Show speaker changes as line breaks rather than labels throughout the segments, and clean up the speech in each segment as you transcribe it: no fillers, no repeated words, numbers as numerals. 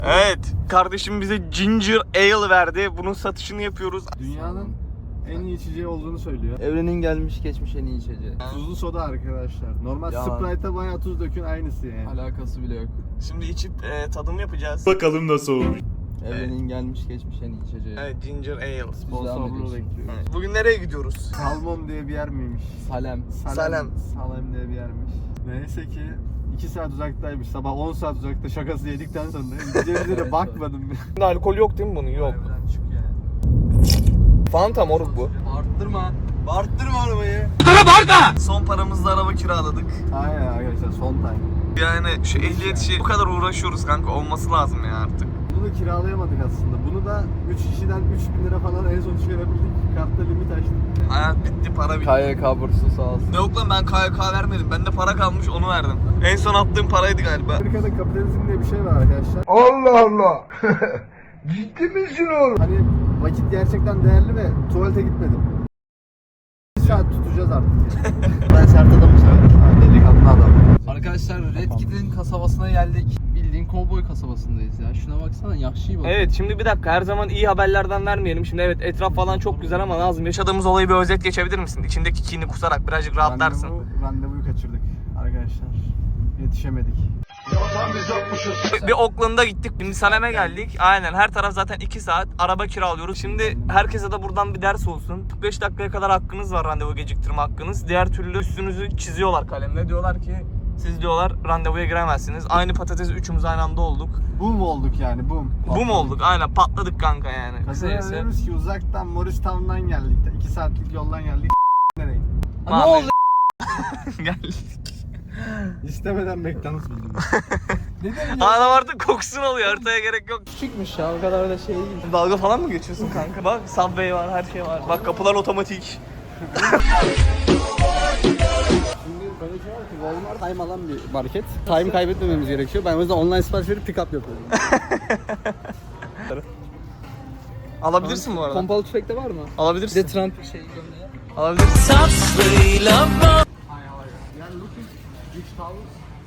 Evet, kardeşim bize ginger ale verdi. Bunun satışını yapıyoruz.
Dünyanın en iyi içeceği olduğunu söylüyor.
Evrenin gelmiş geçmiş en iyi içeceği.
Tuzlu soda arkadaşlar. Normal
Yalan.
Sprite'a bayağı tuz dökün aynısı yani.
Alakası bile yok.
Şimdi içip tadım yapacağız.
Bakalım nasıl olmuş.
Evrenin gelmiş geçmiş en iyi içeceği.
Evet, ginger ale.
Devam
Sponsorluğu
ediyoruz.
bekliyoruz.
Evet. Bugün nereye gidiyoruz?
Salmon diye bir yer miymiş?
Salem.
Salem.
Salem diye bir yermiş. Neyse ki 2 saat uzaktaymış. Sabah 10 saat uzakta şakası yedikten sonra gideceğimize de bakmadım.
Şimdi alkol yok değil mi bunun? Yok.
Harbiden çık yani.
Fanta moruk bu.
Arttırma. Arttırma arabayı.
Son paramızla araba kiraladık.
Aynen arkadaşlar son time.
Yani şu ehliyet işi bu kadar uğraşıyoruz kanka, olması lazım ya artık.
Bunu kiralayamadık aslında. Bunu da 3 kişiden 3000 lira falan en son çıkarabildik. Kartta limit açtık.
Hayat bitti, para bitti.
KYK bursu sağ olsun.
Yok lan, ben KYK vermedim. Bende para kalmış, onu verdim. En son attığım paraydı galiba.
Amerika'da kapitalizm diye bir şey var arkadaşlar.
Allah Allah. Ciddi misin oğlum?
Hani vakit gerçekten değerli ve tuvalete gitmedim. 1 saat tutacağız artık. Ben sert adamı severim. Delikanlı adam.
Arkadaşlar Red Kit'in kasabasına geldik. Bildiğin kovboy kasabasındayız ya. Şuna baksana, yakışıyor bak.
Evet, şimdi bir dakika, her zaman iyi haberlerden vermeyelim. Şimdi evet, etraf falan çok güzel ama Nazım, yaşadığımız olayı bir özet geçebilir misin? İçindeki kini kusarak birazcık rahatlarsın.
Randevuyu kaçırdık arkadaşlar. Yetişemedik.
Bir Oakland'a gittik, şimdi Salem'e geldik. Aynen, her taraf zaten 2 saat araba kiralıyoruz. Şimdi herkese de buradan bir ders olsun. 45 dakikaya kadar hakkınız var, randevu geciktirme hakkınız. Diğer türlü üstünüzü çiziyorlar kalemle. Diyorlar ki siz diyorlar randevuya giremezsiniz. Aynı patates üçümüz aynı anda olduk.
Boom olduk yani boom.
Bu mu olduk? Aynen, patladık kanka yani.
Kazanıyor
Kısacası.
diyoruz ki uzaktan Morristown'dan geldik. 2 saatlik yoldan geldik. Nereye?
Ne oldu?
Gel.
İstemeden McDonald's bildim.
Adam artık kokusunu alıyor, haritaya gerek yok.
Küçükmüş ya, o kadar da şey değil.
Dalga falan mı geçiyorsun kanka? Bak Subway var, her şey var. Bak kapılar otomatik.
Şimdi böyle şey var ki Walmart time alan bir market. Time kaybetmememiz gerekiyor. Ben o yüzden online sipariş verip pick up yapıyorum.
Alabilirsin bu arada.
Pompalı tüfekte var mı? Bir de
Alabilirsin.
Trump şey gömleği.
Alabilirsin.
Yani looking which towels?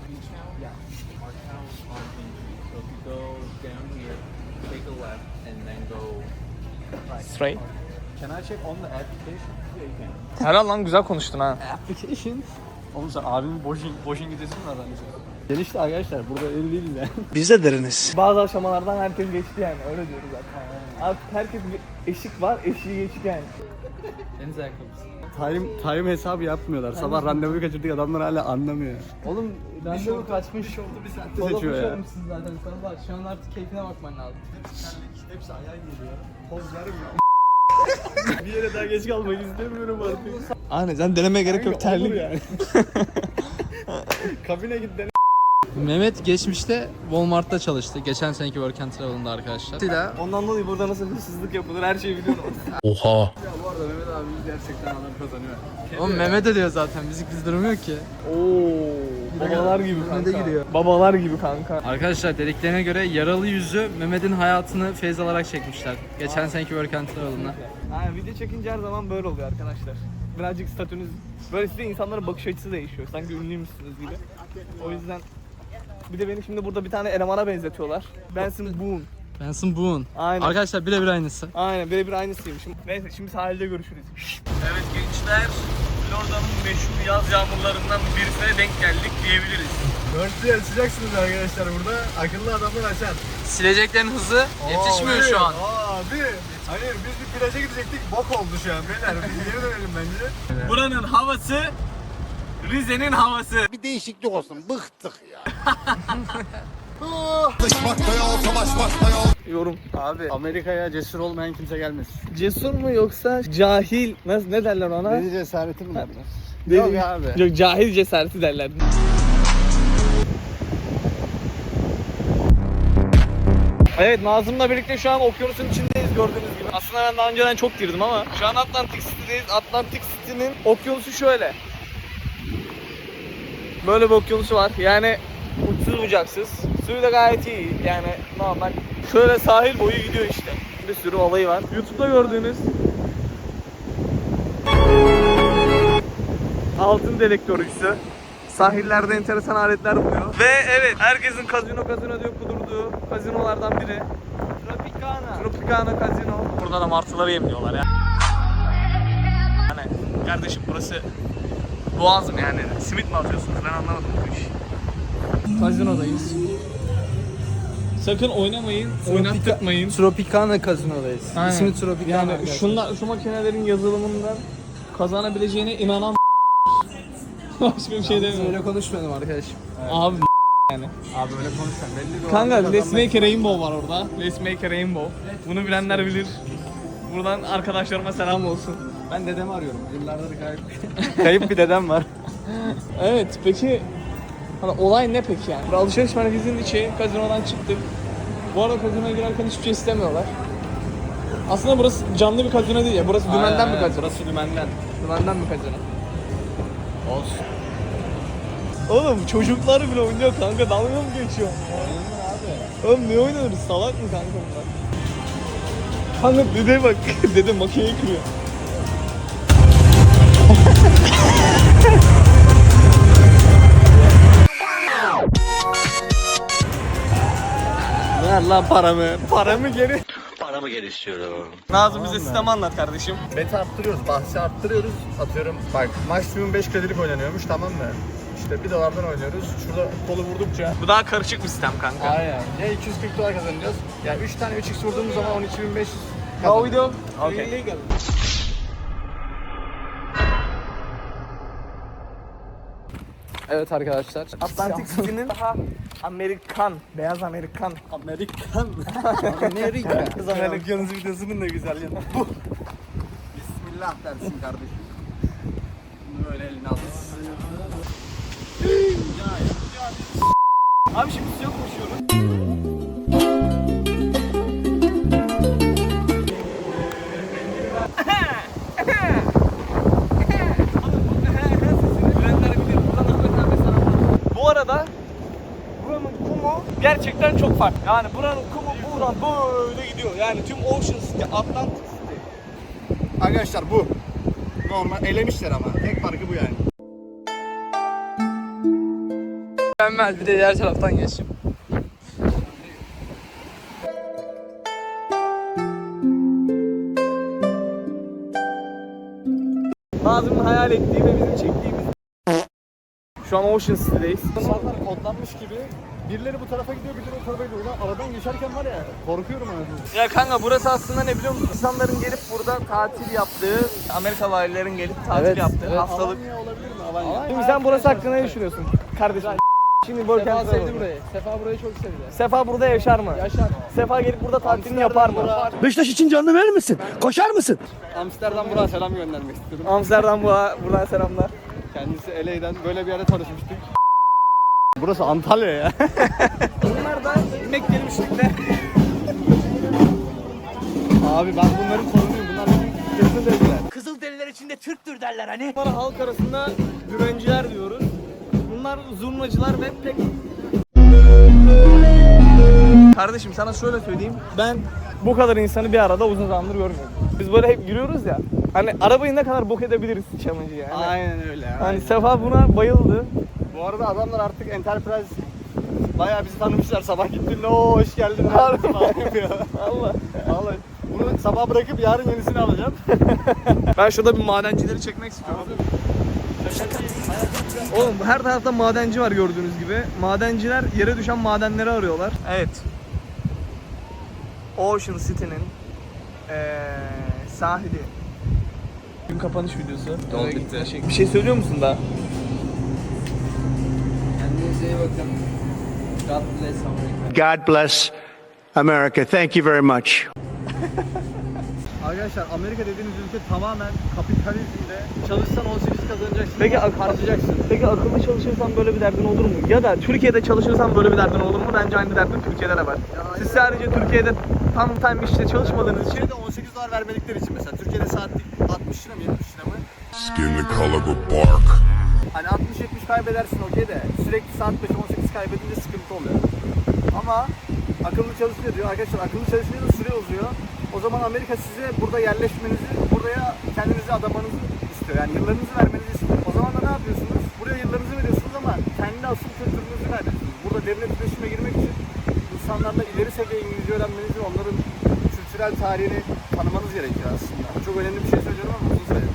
Straight.
Can I check on the application?
Helal lan, güzel konuştun ha.
Application? Oğlum sen abimin boşun gidesin mi adam? Gelişti arkadaşlar, burada öyle değiliz ya.
Bazı aşamalardan herkes geçti yani, öyle diyoruz zaten. Artık herkes bir eşik var, eşiği geçti yani.
Deniz ayakkabısı.
Time hesabı yapmıyorlar. Sabah randevuyu kaçırdık, adamlar hala anlamıyor.
Oğlum randevu kaçmış.
oldu bir saatte
Kola
seçiyor ya.
koşuyormuşsun zaten sana bak. Şu an artık keyfine bakman lazım.
Hepsi ayağa geliyor. Poz vermiyor. Bir yere daha geç kalmak istemiyorum artık.
Aynen, sen denemeye gerek yok, terlik.
yani. Kabine git dene.
Mehmet geçmişte Walmart'ta çalıştı. Geçen seneki Work and Travel'ında arkadaşlar.
Ondan dolayı burada nasıl hırsızlık yapılır, her şeyi biliyorum.
Oha.
Ya bu arada Mehmet abi gerçekten adam kazanıyor.
Oğlum Mehmet de diyor zaten. Bizi kızdırmıyor ki.
Oo, babalar gibi kanka.
giriyor.
Babalar gibi kanka.
Arkadaşlar dediklerine göre yaralı yüzü Mehmet'in hayatını feyz alarak çekmişler. Geçen seneki Work and Travel'ında.
Aynen, video çekince her zaman böyle oluyor arkadaşlar. Birazcık statünüz, böyle size insanların bakış açısı değişiyor. Sanki ünlüymüşsünüz gibi. O yüzden bir de beni şimdi burada bir tane elemana benzetiyorlar. Benson Boone.
Benson Boone.
Aynen.
Arkadaşlar birebir aynısı.
Aynen, birebir aynısıymışım. Neyse, şimdi sahilde görüşürüz. Evet gençler, Florida'nın meşhur yaz yağmurlarından birisine denk geldik diyebiliriz.
Dörtlü açacaksınız arkadaşlar burada. Akıllı adamlar açar.
Sileceklerin hızı yetişmiyor şu an.
Abi. Hayır biz bir plaja gidecektik. Bok oldu şu an beyler. Biz geri dönelim bence.
Buranın havası Rize'nin havası.
Bir değişiklik olsun. Bıktık ya.
Yorum.
Abi Amerika'ya cesur olmayan kimse gelmez.
Cesur mu yoksa cahil? Nasıl, ne derler ona?
Deli cesareti mi derler?
Deli-
Yok abi.
Yok, cahil cesareti derler. Evet, Nazım'la birlikte şu an okyanusun içindeyiz gördüğünüz gibi. Aslında ben daha önceden çok girdim ama şu an Atlantic City'deyiz. Atlantic City'nin okyanusu şöyle. Böyle bir okyanusu var. Yani uçsuz bucaksız. Suyu da gayet iyi. Yani normal. Şöyle sahil boyu gidiyor işte. Bir sürü olayı var. YouTube'da gördüğünüz altın delektörcüsü. Sahillerde enteresan aletler buluyor. Ve evet, herkesin kazino diyor kudurduğu şu kazinolardan biri. Tropicana Casino. Burada da martıları yemliyorlar ya. Hani kardeşim burası Boğaz mı yani? Simit mi atıyorsunuz? Ben anlamadım bu işi.
Kazinodayız.
Sakın oynamayın, oynattırmayın.
Tropicana Casino'dayız.
Aynen.
İsmi Tropicana.
Yani
arkadaşlar.
şu makinelerin yazılımından kazanabileceğine inanan başka bir şey demiyorum.
Öyle konuşmadım arkadaşım.
Abi yani.
Abi öyle konuşsan belli bir
Kanka
oranda
Let's
kazanmak-
Make a Rainbow var orada. Let's Make a Rainbow. Bunu bilenler bilir. Buradan arkadaşlarıma selam olsun.
Ben dedemi arıyorum. Yıllardır kayıp bir dedem var.
Evet peki hani olay ne peki yani? Bir alışveriş merkezinin içi, kazinodan çıktık. Bu arada kazinoya girerken hiçbir şey istemiyorlar. Aslında burası canlı bir kazino değil ya. Burası dümenden bir kazino.
Burası dümenden.
Dümenden bir kazino. Olsun. Oğlum çocuklar bile oynuyor kanka. Dalga mı geçiyor? Abi. Oğlum ne oynuyoruz? Salak mı kanka bunlar? Kanka dede bak. Dede makineyi kırıyor.
Ver lan paramı.
Paramı geri.
Paramı geri istiyorum.
Nazım bize sistemi anlat kardeşim.
Beti arttırıyoruz, bahsi arttırıyoruz. Atıyorum bak maksimum 5 kredilik oynanıyormuş, tamam mı? İşte $1'dan oynuyoruz. Şurada kolu vurdukça
Bu daha karışık bir sistem kanka.
aynen. Ya $240 kazanacağız. Ya 3 tane 3x vurduğumuz zaman 12.500
How we do?
Okay.
Illegal.
Evet arkadaşlar.
Atlantic City'nin daha Amerikan, beyaz Amerikan.
Amerikan.
Kız Amerikanız videosunun da güzel yanı. Bu.
Bismillah dersin kardeşim. Bunu böyle eline alırsın.
Abi şimdi suya koşuyoruz. Bu arada buranın kumu gerçekten çok farklı. Yani buranın kumu buradan böyle gidiyor. Yani tüm Ocean City, Atlantic City.
Arkadaşlar bu. Normal elemişler ama. Tek farkı bu yani.
Mükemmel, bir de diğer taraftan geçeyim.
Nazım'ın hayal ettiği ve bizim çektiğimiz. Şu an Ocean City'deyiz.
İnsanlar kodlanmış gibi birileri bu tarafa gidiyor, birileri o tarafa gidiyor. Ulan aradan geçerken var ya, korkuyorum anasını.
Ya kanka burası aslında ne biliyor musun? İnsanların gelip burada tatil yaptığı, Amerikalı ailelerin gelip tatil yaptığı hastalık.
Alanya olabilir mi? Alanya.
Şimdi sen burası hakkında ne düşünüyorsun kardeşim? Şimdi
Sefa
Work
sevdi burayı. Sefa burayı çok sevdi.
Sefa burada yaşar mı?
Yaşar.
Sefa gelip burada tatilini yapar mı?
Beşiktaş için canını verir misin? Koşar mısın?
Amsterdam Burak'a selam göndermek istiyorum.
Amsterdam buradan selamlar.
Kendisi LA'den böyle bir yerde tanışmıştık. Burası Antalya ya.
Bunlar da Mekke'li müşrikler.
Abi ben bunların sorunuyum. Bunlar benim kesin dediler.
Kızılderililer içinde Türktür derler hani.
Bunlara halk arasında dümenciler diyoruz. Bunlar zurnacılar ve pek... Kardeşim sana şöyle söyleyeyim. Ben bu kadar insanı bir arada uzun zamandır görmüyorum. Biz böyle hep yürüyoruz ya. Hani arabayı ne kadar bok edebiliriz challenge'ı yani.
Aynen öyle ya.
Hani Sefa buna bayıldı.
Bu arada adamlar artık Enterprise bayağı bizi tanımışlar. Sabah gittiğinde o hoş geldin.
Harbi mi?
falan yapıyor.
Allah.
Vallahi. Bunu sabah bırakıp yarın yenisini alacağım.
Ben şurada bir madencileri çekmek istiyorum. Oğlum her tarafta madenci var gördüğünüz gibi. Madenciler yere düşen madenleri arıyorlar. Evet. Ocean City'nin sahili. Gün kapanış videosu.
Yol bitti.
Bir şey söylüyor musun daha?
Kendinize iyi bakın. God bless America.
God bless America. Thank you very much.
Arkadaşlar Amerika dediğiniz ülke tamamen kapitalizmde. Çalışsan 18 kazanacaksın.
Peki
harcayacaksın.
Peki akıllı çalışırsan böyle bir derdin olur mu? Ya da Türkiye'de çalışırsan böyle bir derdin olur mu? Bence aynı derdin Türkiye'de de var. Siz sadece Türkiye'de tam time işte çalışmadığınız için
Türkiye'de $18 vermedikleri için mesela. Türkiye'de saatlik 60 lira mı 70 lira mı?
Skin the color of bark.
Hani 60-70 kaybedersin okey de sürekli saat başı 18 kaybedince sıkıntı oluyor. Ama akıllı çalışıyor diyor. Arkadaşlar akıllı çalışınca da süre uzuyor. O zaman Amerika size burada yerleşmenizi, buraya kendinizi adamanızı istiyor. Yani yıllarınızı vermenizi istiyor. O zaman da ne yapıyorsunuz? Buraya yıllarınızı veriyorsunuz ama kendi asıl kültürünüzü kaybediyorsunuz. Burada devlet iletişime girmek için bu insanlarla ileri seviye İngilizce öğrenmeniz ve onların kültürel tarihini tanımanız gerekiyor aslında. Çok önemli bir şey söylüyorum ama uzun süre.